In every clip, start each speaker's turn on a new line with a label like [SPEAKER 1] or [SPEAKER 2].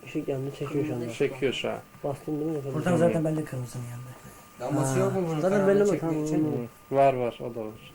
[SPEAKER 1] Işık yandı çekiyor şu anda.
[SPEAKER 2] Çekiyor şu an.
[SPEAKER 1] Bastın değil mi?
[SPEAKER 3] Buradan zaten belli kırmızının yanında.
[SPEAKER 4] Lambası yok mu bunun?
[SPEAKER 1] Zaten belli mi?
[SPEAKER 4] Çekmek için.
[SPEAKER 1] Tamam.
[SPEAKER 2] Var o da var.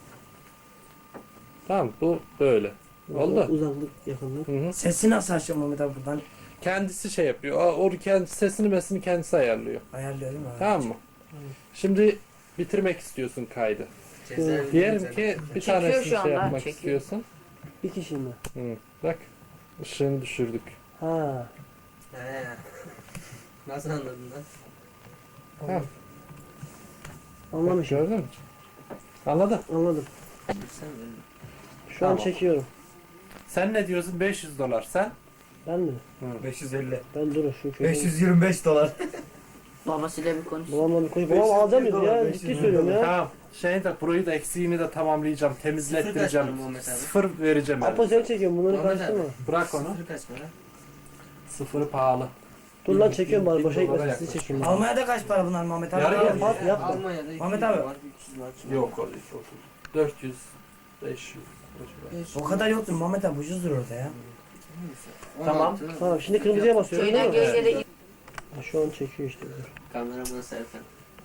[SPEAKER 2] Tamam bu böyle. Oldu.
[SPEAKER 1] Uzaklık, yakınlık.
[SPEAKER 2] Hı.
[SPEAKER 3] Sesi nasıl açacağım Mehmet abi buradan?
[SPEAKER 2] Kendisi şey yapıyor. O kendi sesini mesini kendisi ayarlıyor.
[SPEAKER 3] Ayarlıyor değil mi?
[SPEAKER 2] Tamam mı? Şimdi bitirmek istiyorsun kaydı.
[SPEAKER 4] Cezaevi
[SPEAKER 2] Diyelim
[SPEAKER 4] güzel.
[SPEAKER 2] ki bir
[SPEAKER 5] Çekiyor
[SPEAKER 2] tanesini
[SPEAKER 5] şu
[SPEAKER 2] şey
[SPEAKER 5] anda,
[SPEAKER 2] yapmak
[SPEAKER 5] çekiyor.
[SPEAKER 2] istiyorsun.
[SPEAKER 1] Bir kişi mi?
[SPEAKER 2] Hı. Bak ışığını düşürdük.
[SPEAKER 1] Ha.
[SPEAKER 4] He. Nasıl anladın lan?
[SPEAKER 2] Ha,
[SPEAKER 1] Anlamışım.
[SPEAKER 2] gördün mü? Anladın.
[SPEAKER 1] Anladım.
[SPEAKER 4] Sen öyle.
[SPEAKER 1] Şu an
[SPEAKER 2] Tamam.
[SPEAKER 1] çekiyorum.
[SPEAKER 2] Sen ne diyorsun? $500. Sen?
[SPEAKER 1] Ben mi?
[SPEAKER 3] 550.
[SPEAKER 1] Ben durun şu köyü.
[SPEAKER 3] 525 dolar.
[SPEAKER 5] Babasıyla bir konuş.
[SPEAKER 1] Babamla bir konuş. Babam alacağım mıyız ya?
[SPEAKER 3] 500
[SPEAKER 1] Ciddi söylüyorum ya.
[SPEAKER 2] Tamam. Burayı da eksiğini de tamamlayacağım. Temizlettireceğim.
[SPEAKER 4] Sıfır kaç para Muhammed abi?
[SPEAKER 2] 0 vereceğim. yani.
[SPEAKER 1] Apozel çekiyorum bunları
[SPEAKER 4] Muhammed
[SPEAKER 1] karıştırma.
[SPEAKER 2] Bırak onu.
[SPEAKER 4] Sıfır kaç para?
[SPEAKER 2] Sıfırı pahalı.
[SPEAKER 1] Dur lan çekiyorum bari boşa
[SPEAKER 2] $1000
[SPEAKER 1] gitmesin sizi
[SPEAKER 2] yaklaşık.
[SPEAKER 1] çekeyim.
[SPEAKER 3] Almanya'da kaç para bunlar Mehmet abi?
[SPEAKER 2] Yarı
[SPEAKER 3] Abi,
[SPEAKER 2] yarı.
[SPEAKER 1] Yap yap.
[SPEAKER 4] Almanya'da 200
[SPEAKER 3] Muhammed abi.
[SPEAKER 4] var, 300 var.
[SPEAKER 2] Yok o değil. 400, 500.
[SPEAKER 3] O kadar yoktur Mehmet abi ucuzdur orada ya.
[SPEAKER 2] Tamam.
[SPEAKER 4] 16.
[SPEAKER 1] Tamam şimdi kırmızıya basıyorum değil
[SPEAKER 5] Köyden
[SPEAKER 1] mi?
[SPEAKER 5] gençlere git.
[SPEAKER 1] Ha, şu an çekiyor işte. Dur.
[SPEAKER 4] Kamera buna Serkan.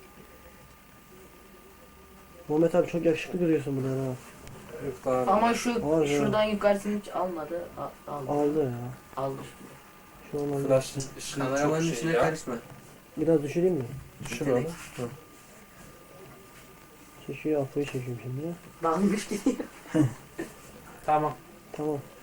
[SPEAKER 1] Muhammed abi çok yakışıklı duruyorsun burada ha.
[SPEAKER 2] Yok daha.
[SPEAKER 5] Ama şu
[SPEAKER 1] Var ya.
[SPEAKER 5] şuradan yukarısını hiç almadı. Aldı.
[SPEAKER 1] Aldı ya.
[SPEAKER 5] Aldı.
[SPEAKER 1] Şu an aldı.
[SPEAKER 2] Flash ışığı
[SPEAKER 4] Kameramanın
[SPEAKER 2] çok
[SPEAKER 4] içine
[SPEAKER 2] şey ya.
[SPEAKER 4] karışma.
[SPEAKER 1] Biraz düşüreyim mi?
[SPEAKER 2] Düşür onu.
[SPEAKER 1] Çekiyor Apo'yu çekiyorum şimdi.
[SPEAKER 5] Dalmış gidiyor.
[SPEAKER 2] Tamam.
[SPEAKER 1] Tamam.